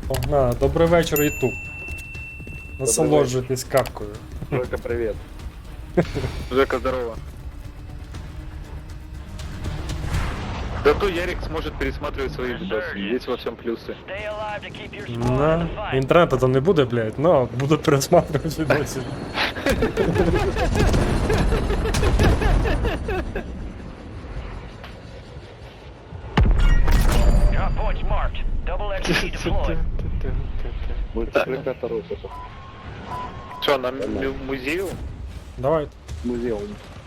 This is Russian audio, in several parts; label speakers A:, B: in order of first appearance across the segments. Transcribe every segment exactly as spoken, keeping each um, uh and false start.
A: Погнали. Добрий вечір, Ютуб. Насолоджуйтесь капкою.
B: Жека, привет.
C: Жека, здорово. Зато Ярик сможет пересматривать свои видосы. Есть во всем плюсы.
A: На інтернету там не буде, блядь, но буду пересматривати відосі.
B: Мультипликатор опыта.
C: Что, на му- музею?
A: Давай.
B: Музеум.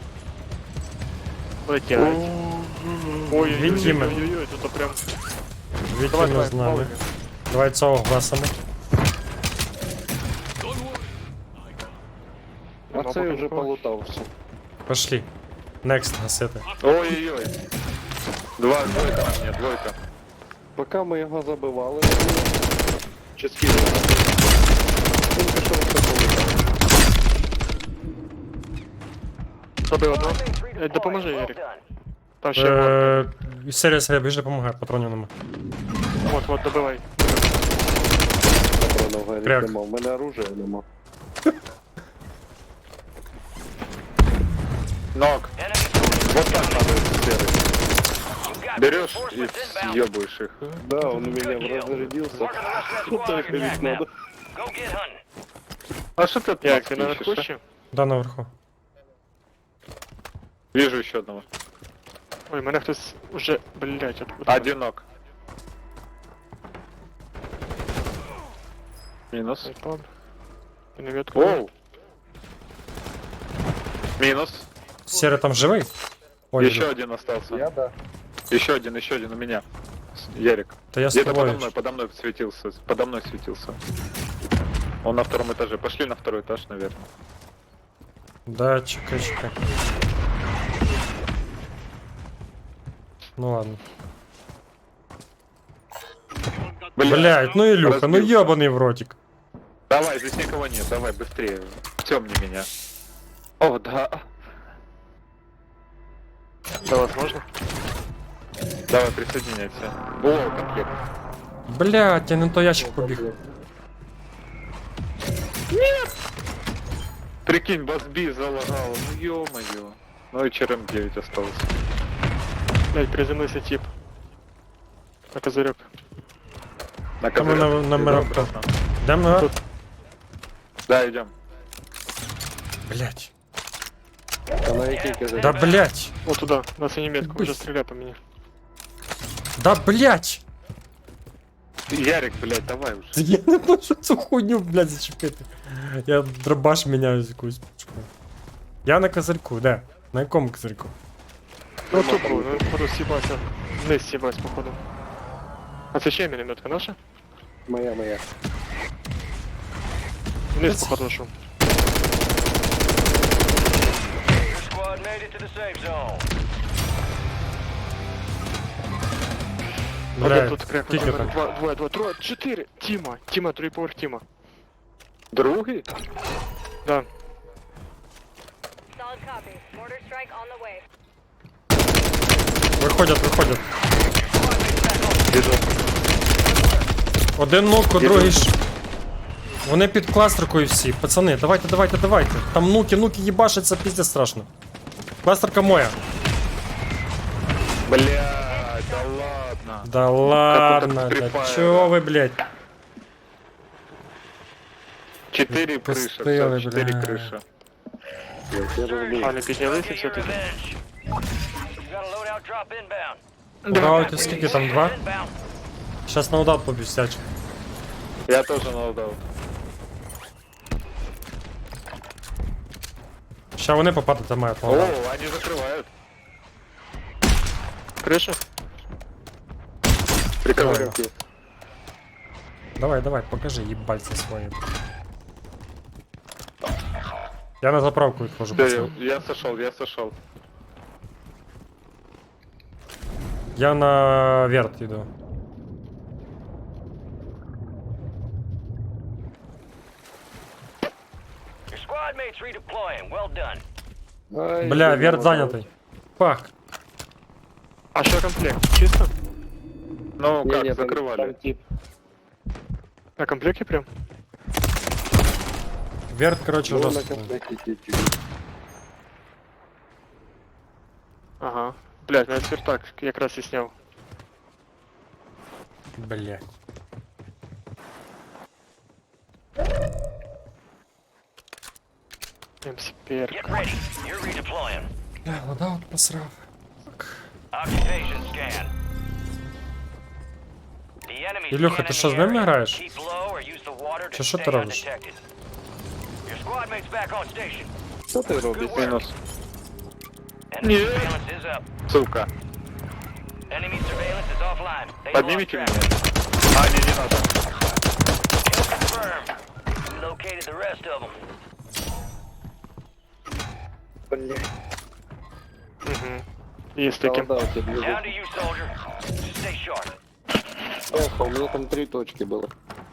D: Летять. Ой,
A: Відтіми.
D: ой-ой-ой, тут прям...
A: Відтіми з нами. Давай цього гласами.
B: А це вже полутався.
A: Пошли. Next гасити.
C: Ой-ой-ой. Два, двойка на мне, двойка.
B: Поки ми його забивали, чи скидали. Він пішов все полутав.
D: Добив одного. Е, Допоможи, Ярик. Там ще вон.
A: Е, Серія, серія, біжи, допомагай, патронів нема.
D: Вот, вот, добивай.
B: Патронов
A: Кряк.
B: нема. В мене оружия нема.
C: Ног. Вот так надо серый. Берешь и съебываешь их.
B: Да, он у меня разрядился. Так ведь надо.
C: А что ты от
D: Як,
C: нас
D: ти наверху
C: ищешь, а?
D: ще?
A: Да, наверху.
C: Вижу еще одного.
D: Ой, мене хтось уже, блять, откуда?
C: Одинок. Минус.
D: Айпад. Ти не відкрив?
C: Оу. Минус.
A: Серія там живий? Ой,
C: Еще
A: іду.
C: один остался.
B: Я да.
C: Еще один, еще один у меня. С- Ярик.
A: Та я з
C: Где-то подо
A: тобою.
C: мной, подо мной светился. Подо мной светился. Он на втором этаже. Пошли на второй этаж, наверное.
A: Да, чекай, чекай. Ну ладно. Блять, ну Илюха, ну
C: разбился.
A: ебаный в ротик.
C: Давай, здесь никого нет. Давай, быстрее. Темни меня. О, да.
D: До вас можна?
C: Давай, присоединяйся. О, комплект.
A: Блять, я не то ящик побіг.
C: Прикинь, басби залагал. Ну ё-моё. Ну и ЧРМ девять осталось.
D: Блять, приземлився тип. На козырек.
C: На
A: Там на,
C: козырек.
A: на
C: Идем
A: мирок.
C: обратно.
A: Дем на.
D: Тут.
C: Да, идем.
A: Блять.
B: А на який казав?
A: Да блять.
D: Вот туда, на синю метку,
A: Быстро.
D: уже стреляй по мне.
A: Да блять.
C: Ярик, блядь, давай уже.
A: Я не можу цю хуйню, блять, зачепити. Я дробаш міняю з якусь. Я на козирку, де? На якому козирку?
D: Ну тут был, ну походу съебался. Вниз съебался, походу. А це ще мінометка наша?
B: Моя, моя.
D: Вниз, походу, нашел. Один
A: Блять,
D: тут кряк,
A: скільки там?
D: два, двоє, двоє, троє, чотири. Тіма, Тіма, другий поверх Тіма.
C: Другий?
D: Да.
E: Solid copy. Mortar strike on the way.
A: Виходять, виходять.
C: Біжу.
A: Один нук, другий ж. Вони під кластеркою всі. Пацани, давайте, давайте, давайте. Там нуки, нуки їбашаться, пізде страшно. Кластерка моя.
C: Блядь, да ладно.
A: Да ладно,
C: Free
A: да
C: Fire,
A: чё
C: да.
A: вы, блядь?
C: Четыре крыши,
A: Пустые,
C: все, четыре
A: бля.
C: крыши.
B: Я розумію.
D: А, не піднялися все-таки.
A: Браути, скільки там, два? Сейчас на удар побістять.
C: Я тоже наладал.
A: Ща вони попадати мають на
C: О,
A: удар.
C: они закрывают.
D: Криша?
C: Прикрывают.
A: Давай, давай, покажи їбальці свої. Я на заправку відходжу,
C: Всё,
A: пацани.
C: я, я сошел, я сошел.
A: Я на верт йду.
B: Ай,
A: Бля,
B: блін,
A: верт
B: вода.
A: зайнятий. Пах.
D: А що комплект? Чисто?
C: Ну
B: Ні,
C: как,
B: ні, там-
C: закрывали.
B: там тип.
D: На комплекте прям?
A: Верт, короче,
B: Ну, на
A: жорстко.
B: комплекте тільки.
D: Ага. Блядь, навіть свертак якраз і сняв.
A: Блядь.
D: МСПР.
F: Get ready. You're redeploying.
A: Бля, лодаут посрав.
F: Occupation scan. The enemy
A: Ілюха, ти що, з ними граєш?
F: Keep low or use the water to
A: Чи що
F: stay
A: ти робиш?
F: undetected. Your squad mate's back on station.
B: Що ти робиш?
C: Мінус.
F: Enemy surveillance is up.
C: Сука.
F: Enemy surveillance is offline. They
C: Поднимите
F: lost
C: меня.
F: track.
C: А, не, не надо.
F: Kill confirmed. We located the rest of them.
B: Блядь.
D: Угу. Є з таким.
B: Солдат тебе
F: Down
B: лежит.
F: to you, soldier. Stay sharp.
B: Эх, у меня там три точки было.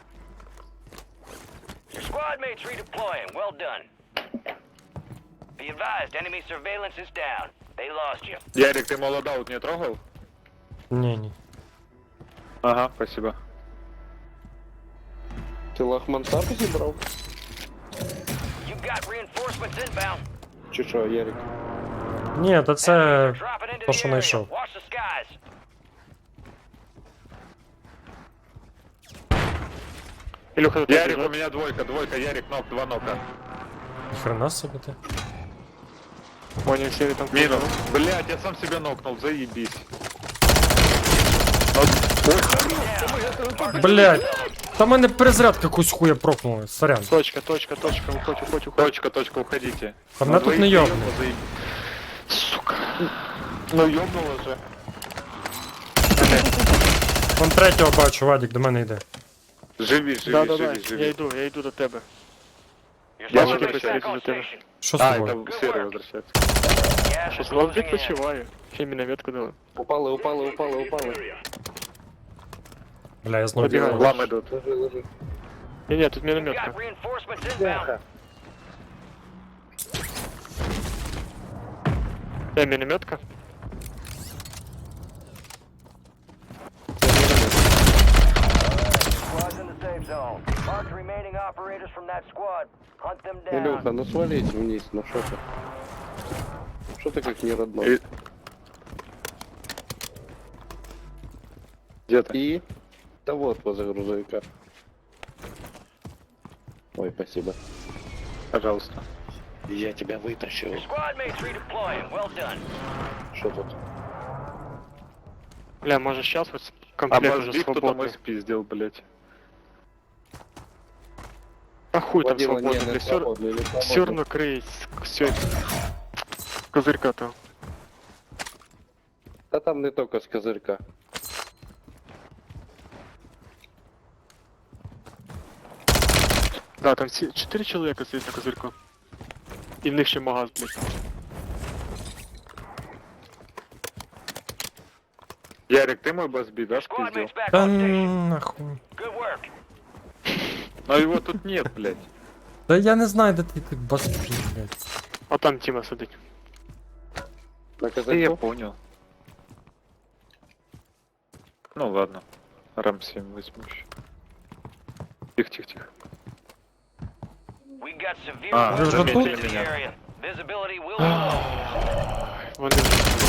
F: Your squad mate's redeploying. Well done. Be advised, enemy surveillance is down. They lost you.
C: Ярик, ты молодаут не трогал?
A: Ні, ні.
C: Ага, спасибо.
B: Ти лахмансарку зібрав?
F: You got reinforcements inbound.
B: Чи що, Ярик?
A: Ні, та це
F: Dropping into
A: то,
F: the
A: що
F: area.
A: знайшов.
F: Watch the skies.
D: Ілюха, тут
C: Ярик, у
D: лежать.
C: меня двойка, двойка, Ярик, нок, два нока.
A: хрена собі ти.
D: Понял, все там.
C: Минус. Блять, я сам себя нокнул, заебись.
A: Блядь. Та мене перезарядка якусь хуя прокнула, сорян.
D: Точка, точка, точка, уходь, уходь, уходь.
C: Точка, точка, уходите.
A: Та мене тут не йобне.
D: Сука.
C: Ну ёбнуло же.
A: Вон третього бачу, Вадік до мене йде.
C: Живи, живи,
D: Да, да,
C: живи,
D: да, я
C: живи.
D: йду, я йду до тебе.
F: Your
C: Я
F: squad
C: же
F: mate's
C: присядь
F: back on
D: за тебя.
F: station.
A: Що з
C: А,
A: тобою?
C: это серый возвращается.
F: Gas
D: Що
F: is
D: слав
F: closing in.
D: відпочиваю. Ще мінометку дали.
B: Упали, упали, упали, упали.
A: Бля, я знову
D: Побігай.
A: бігаю.
C: Лам идут.
B: Лежи, лежи.
D: Ні, ні, тут
F: You
D: мінометка.
F: got reinforcements inbound.
D: Де мінометка?
F: Squad's in the safe zone. Mark the remaining operators from that squad. Hunt them
B: Илюха,
F: down.
B: ну свалить вниз, ну что ты? Что ты как не родной?
C: И- Где ты?
B: И? Да вот, возле грузовика. Ой, спасибо.
C: Пожалуйста.
B: Я тебя вытащил.
F: Your squad mate's redeploying. Well done.
B: Что тут?
D: Бля, може щас ось
C: А
D: комплект
C: может
D: уже
C: биг кто-то мой
D: свободний.
C: спиздил, блять.
D: А хуй там
B: Водила, не,
D: свободний,
B: не
D: бля, все
B: свободный, не
D: все
B: свободный.
D: равно криють все козирка то.
B: Да там не только с козырька.
D: Да, там всі чотири чоловіка сидять на козирку. І в них ще магаз, блядь.
C: Ярик, ты мой базби, да,
F: Squad
C: спиздил?
F: mate's back
A: Та
F: on station.
A: нахуй.
F: Good work.
C: Но его тут нет, блять.
A: Та я не знаю, де ти тут баспі, блядь.
D: А там Тіма сидить.
B: На
C: Да я
B: козырьку?
C: понял. Ну ладно. Рам семь возьму еще. Тихо, тихо, тихо.
F: We got severe
C: А,
F: weather
A: заметили
F: in the
C: меня.
F: area. Visibility will be low.
D: Вони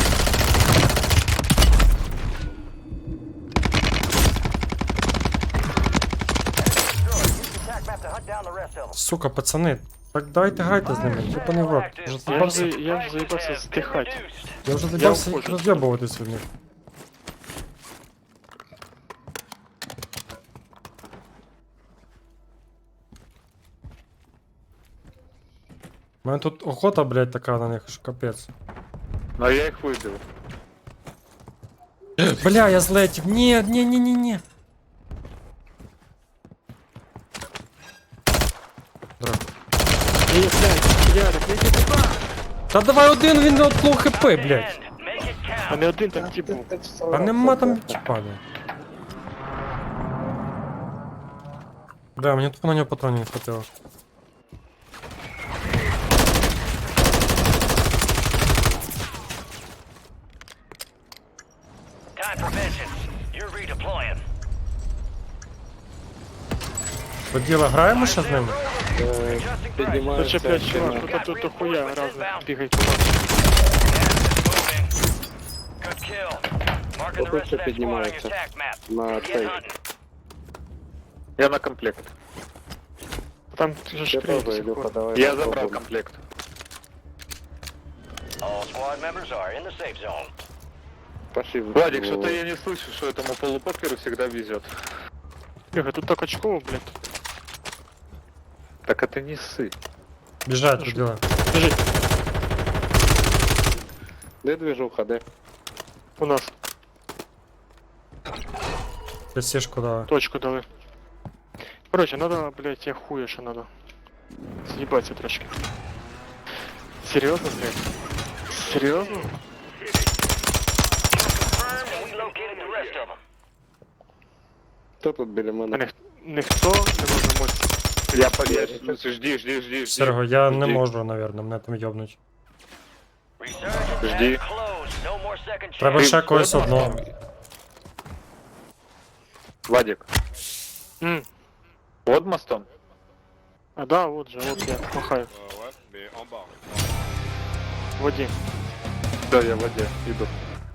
F: Destroy. Use the attack map to hunt down the rest of them.
A: Сука, пацани, так давайте грайте з ними, єбаний в рот. Вже
D: Я
A: заїбався,
D: вже, я вже заїбався
F: Have been
D: здихати.
F: reduced.
A: я вже заїбався їх
D: уходжу.
A: роз'єбуватись від них. У мене тут охота, блядь, така на них, що капець.
C: Но я их выбил.
A: Бля, я злетів. Ні, ні, ні, ні, ні.
D: Ні, блядь, Ярик, я тебе.
A: Та давай один, він от лоу хп, блядь.
F: End. Make it
D: А
F: count.
D: не один там тип був.
A: А нема там чіпада. Бля, мені тут на нього патронів не хватило.
F: Time for vengeance. You're redeploying.
A: Поділа, граємо ще з ними?
B: Е,
F: Adjusting price.
B: Піднімається.
D: Зачеплять чувак,
B: ціна.
D: тут тут дохуя разом бігають по нас.
F: Good kill. Marking the
B: Ось
F: rest
B: це
F: of that squad on your
B: піднімається.
F: attack map.
B: На
F: Get
B: цей.
F: hunting.
C: Я на комплект.
D: Там же ж
B: Я теж,
D: крейсер.
B: Ілюха, давай.
C: Я
B: попробуємо.
C: забрал комплект.
F: All squad members are in the safe zone.
B: Пошли. в-
C: Владик, что-то я не слышу, что этому полупокеру всегда везет.
D: Бігай, тут так очково, блядь.
C: Так это не ссы.
A: Біжать, поділа.
D: Біжить,
B: Де движуха, де?
D: у нас.
A: Це сішку дали.
D: Точку дали. Короче, надо, блядь, я хуя що надо. Съебаться трошки. Серьезно, блядь? Серьезно?
F: Confirmed, and we located the rest of them.
B: Хто тут біля
D: А
B: мене?
D: ніх, ніхто не може мочь.
C: Я подъезжу. Жди, жди, жди, жди.
A: Серго, я не
C: Жди.
A: можу, навірно, мене там йобнуть.
F: Resurgence
C: Жди.
F: has closed. No more second
A: Треба
F: chance.
A: ще когось одного.
C: Владик,
D: М.
C: под мостом?
D: А да, вот же, вот я махаю. В воді.
C: Да, я в воде, иду.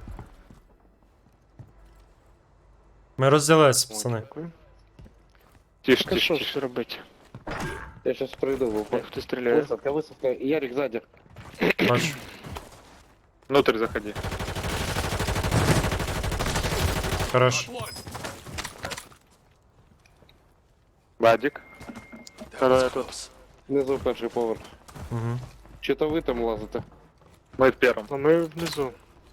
A: Ми розділилися, пацани.
D: Дякую.
C: Тише,
D: Так що
C: тише, тише.
D: ж робити?
B: Я щас прийду в упор.
D: Як хто стріляє?
B: Висадка, висадка. Ярик ззаді.
A: Бачу.
C: Внутрь заходи.
A: Хорош.
C: Владик.
D: Коли я тут.
B: Внизу перший поверх.
A: Угу.
B: Чи то ви там лазите?
C: Мы в первом.
D: Ну ми внизу.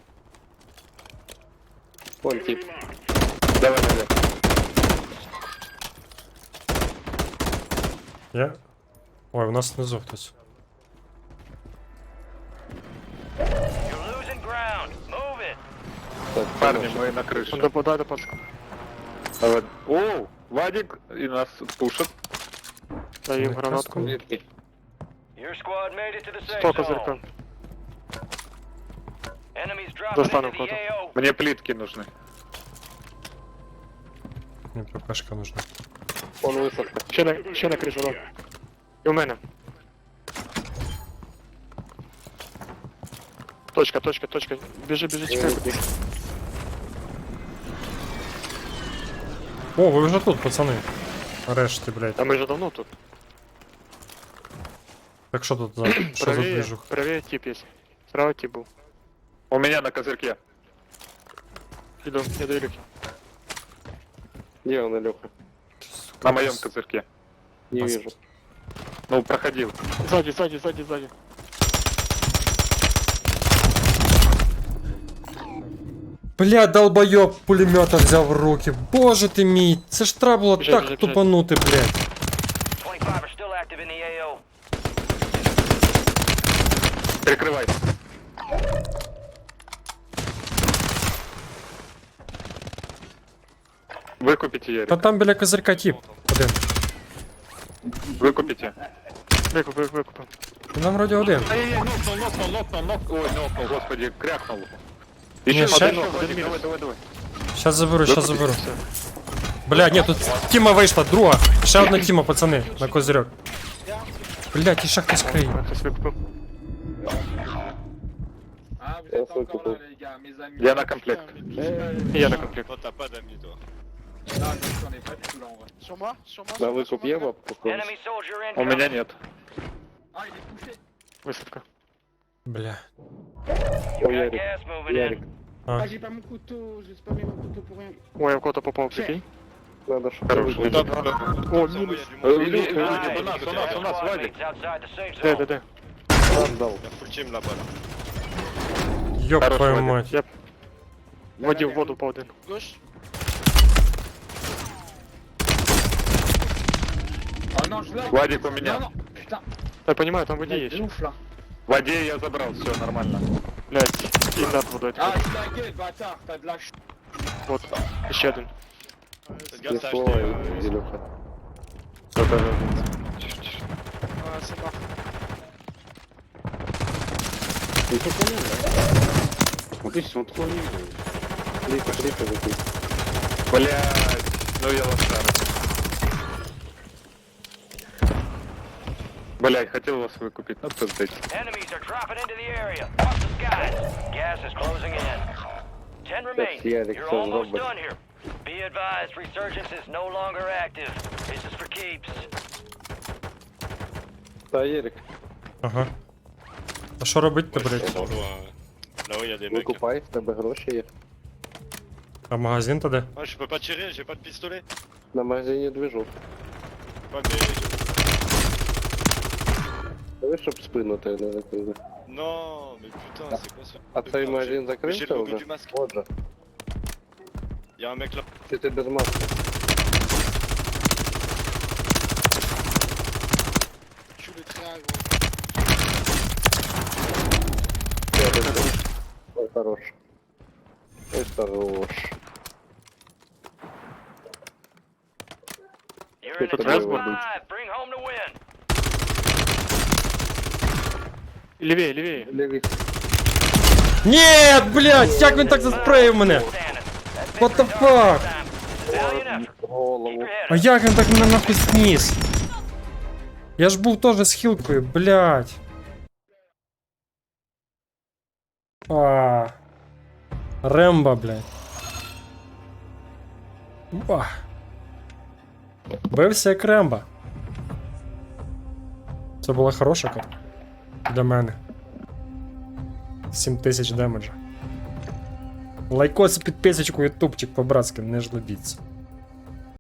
B: Вон тип.
C: Давай наверх.
A: Я. Ой, у нас внизу хтось.
F: You're losing ground. Move it.
B: Так,
C: Парни,
B: хорошо.
C: мы на крыше.
D: Он допадай до пацка.
C: Давай. О, Владик и нас пушат.
D: Даю їм
A: Ну,
D: гранатку.
B: Звідки?
F: Your squad made it to the safe
D: Сто
F: zone.
D: козырька.
F: Enemies dropping
D: Достану
F: into the
D: кого-то.
F: A O.
C: Мне плитки нужны.
A: Мені ППшка нужна.
B: Вон висадка.
D: Ще на, ще на кришу, да. І у мене. Точка, точка, точка. Біжи, біжи, чекай.
A: О, ви вже тут, пацани. Нарешті, блядь.
D: А ми вже давно тут.
A: Так що тут за. Що за
D: Правее,
A: движух?
D: правее тип є. Справа тип був.
C: У меня на козырьке.
D: Іду, я до Ілюхи.
B: Где он, Илюха?
C: На моем козырьке.
B: Не
A: Пас-
B: вижу.
C: Ну, проходил.
D: Сзади, сзади, сзади, сзади.
A: Бля, долбойоб пулемета взяв в руки. Боже ти мій, це ж треба було
D: Біжать,
A: так
D: біжать,
A: тупанути, блядь.
F: twenty-five are still active in the A O.
C: Прикрывай. Выкупите, Ярик.
A: Та там біля козирка тіп. Один.
C: Выкупите.
D: Викуп, викуп, викуп.
A: Там вроді один.
C: Ай-яй-яй, нокнул, нокнул, нокнул, нокнул. Ой, нокнул, господи, крякнул.
A: Не,
C: Еще
A: ща-
C: один нок, Владик, давай, давай, давай.
A: Щас заберу, щас
C: Выкупите
A: заберу.
C: всё.
A: Бля, ні, тут Тіма вийшла, друга. Ще одна Тіма, пацани, на козирьок. Блядь, і ще хтось криє.
D: А, хтось викупив.
B: Я выкупил.
C: Я на комплект.
D: І я на комплект.
B: На выкуп є бабку?
F: Enemy soldier
C: У меня
F: incoming.
C: нет.
D: Висадка.
A: Бля.
B: О,
F: Got
B: Ярик.
F: gas moving
B: Ярик.
F: in.
A: А,
G: Ah, j'ai pas mon couteau, j'ai spammé mon couteau pour rien.
D: Ой, я в кого-то попав, прикинь.
B: Надо, чтобы
C: Хорош,
B: выкупить.
C: да, да, да.
D: О, мінус.
C: Э, Илья,
F: Alright,
C: Владик, у нас, у нас, у нас,
F: squad
C: Владик.
F: mates outside the safe
D: Де,
F: zone.
D: де, де?
B: Отдал.
A: йоп
C: Хорош,
A: твою
C: Вадим.
A: мать.
D: Я в воді в воду по один.
C: Владик у меня.
D: Я понимаю, там в воді є ще.
C: В воде я забрал, все нормально.
D: Блядь, і над водою. Вот, ще один.
B: Не слово, Илюха.
C: Всё, даже-
B: Ты что понял, да? Вот видишь, он такой не Клика, клика, закинь.
C: Блядь, ну я лошара. Блять, хотел вас выкупить, но пиздец.
F: Enemies are dropping into the area. Watch the skies. Gas is closing in. Ten remain.
B: Ярик,
F: You're
B: всё,
F: almost
B: робот.
F: done here. Be advised, resurgence is no longer active. This is for keeps.
B: Та, Єрик,
A: Ага. А що робити, блядь?
H: Là-haut, il y a des mecs.
B: викупай, в тебе гроші є.
A: А магазин то де?
H: Ah, je peux pas tirer, j'ai pas de pistolet.
B: На магазині движу.
H: Ouais, mais.
B: Диви, щоб спину тебе не закрили.
H: Non, mais putain, c'est quoi ça?
B: А цей магазин
H: J'ai le
B: закрився
H: logo
B: вже?
H: du masque.
B: Отже,
H: Il y a un mec là.
B: чи ти без маски?
H: Tu le tires, gros.
B: Ой, хорош. Ой, хорош.
F: You're in the
B: Good
F: top
B: job.
F: five. Bring home the win.
D: Левее, левее.
B: Ліві.
A: Ні, блядь, як він так заспреїв мене?
F: Standing. That's
A: What
F: been
A: the
F: for
A: fuck?
F: time. Valiant effort. Keep
B: Голову.
F: your head
A: А
F: up.
A: як він так мене нахуй зніс? Я ж був теж з хілкою, блядь. А. Рембо, блядь. Ба. Бився як Рембо. Це була хороша карта. Для мене. сім тисяч демеджа. Лайкос і підписочку, ютубчик по-братськи, не жлобіться.